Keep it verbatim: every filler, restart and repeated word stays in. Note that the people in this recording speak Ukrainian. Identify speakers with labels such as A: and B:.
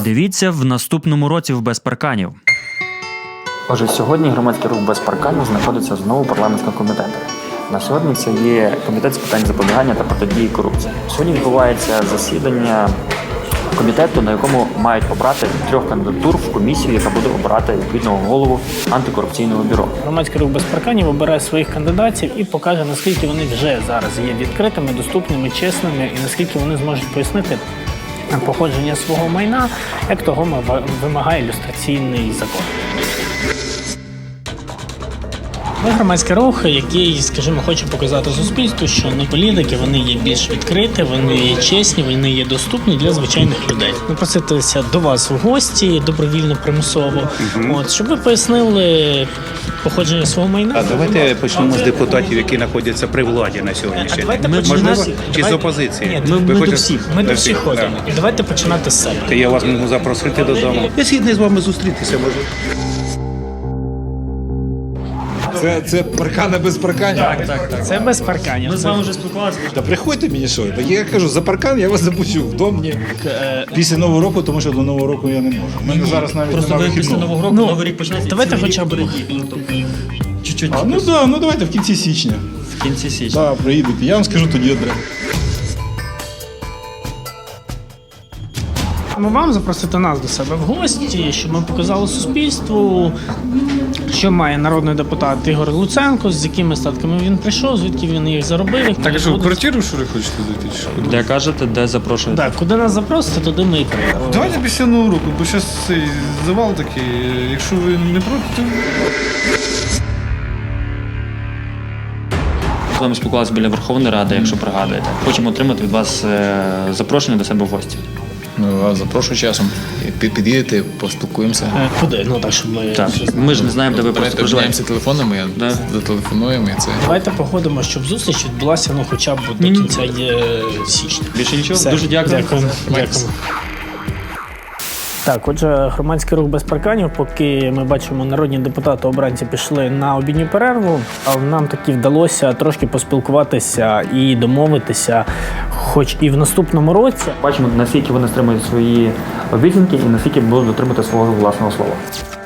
A: Дивіться в наступному році в «Без парканів».
B: Отже, сьогодні громадський рух «Без парканів» знаходиться знову в парламентському комітеті. На сьогодні це є комітет з питань запобігання та протидії корупції. Сьогодні відбувається засідання комітету, на якому мають обрати трьох кандидатур в комісію, яка буде обирати відповідного голову антикорупційного бюро.
C: Громадський рух «Без парканів» обирає своїх кандидатів і покаже, наскільки вони вже зараз є відкритими, доступними, чесними і наскільки вони зможуть пояснити походження свого майна, як того вимагає люстраційний закон. Ми громадський рух, який, скажімо, хоче показати суспільству, що не політики, вони є більш відкриті, вони є чесні, вони є доступні для звичайних людей. Ми проситися до вас в гості, добровільно, примусово, угу. От, щоб ви пояснили походження свого майна.
D: А давайте почнемо з депутатів, які знаходяться при владі на сьогоднішній день. Можливо, чи з опозиції?
C: Ні, ми, ми, до всіх, ми до всіх ходимо. І давайте починати з себе.
D: То я вас можу запросити додому. Я згідний з вами зустрітися можу.
E: Це, це паркани без парканів?
C: Так, так, так. Це без парканів.
A: Ми з вами вже спілкувалися.
E: Та приходьте мені що. Я кажу, за паркан я вас запущу в дом мені після Нового року, тому що до Нового року я не можу. У мене зараз навіть
A: Просто
E: немає
A: ви після
E: вихідного.
A: Нового року,
C: Ну,
A: Новий рік починається.
C: давайте хоча б рік.
A: Чуть-чуть.
E: А, ну так, да, ну давайте в кінці січня.
A: В кінці січня.
E: Так, да, приїдете. Я вам скажу тоді одразу.
C: Ми вам запросити нас до себе в гості, щоб ми показали суспільству, що має народний депутат Ігор Луценко, з якими статками він прийшов, звідки він їх заробив.
F: Так, а що, в квартиру, що ви хочете зайти? чи що?
A: Де кажете, де запрошуєте?
C: Так, куди нас запросите, туди ми і прийдемо.
F: Давайте після Нового року, бо зараз цей завал такий, якщо ви не проти, то...
A: Коли ми спілкувалися біля Верховної Ради, якщо пригадуєте, хочемо отримати від вас е, запрошення до себе в гості.
G: Ну, вас запрошую часом. Під- Під'їдете, поспілкуємося.
C: Е, Куди? Ну так, щоб ми...
A: Так, ми ж не знаємо, де ви просто проживаєте.
G: Переміняємося телефонами, я
A: Да.
G: зателефонуємо і це.
C: Давайте походимо, щоб зустріч відбулася ну, хоча б до кінця е, січня.
A: Більше нічого?
C: Все.
A: Дуже дякую.
C: Дякуємо. Дякуємо. Так, отже, громадський рух «Без парканів», поки ми бачимо, народні депутати обранці пішли на обідню перерву, а нам таки вдалося трошки поспілкуватися і домовитися, хоч і в наступному році.
B: Бачимо, наскільки вони стримують свої обіцянки і наскільки будуть дотримати свого власного слова.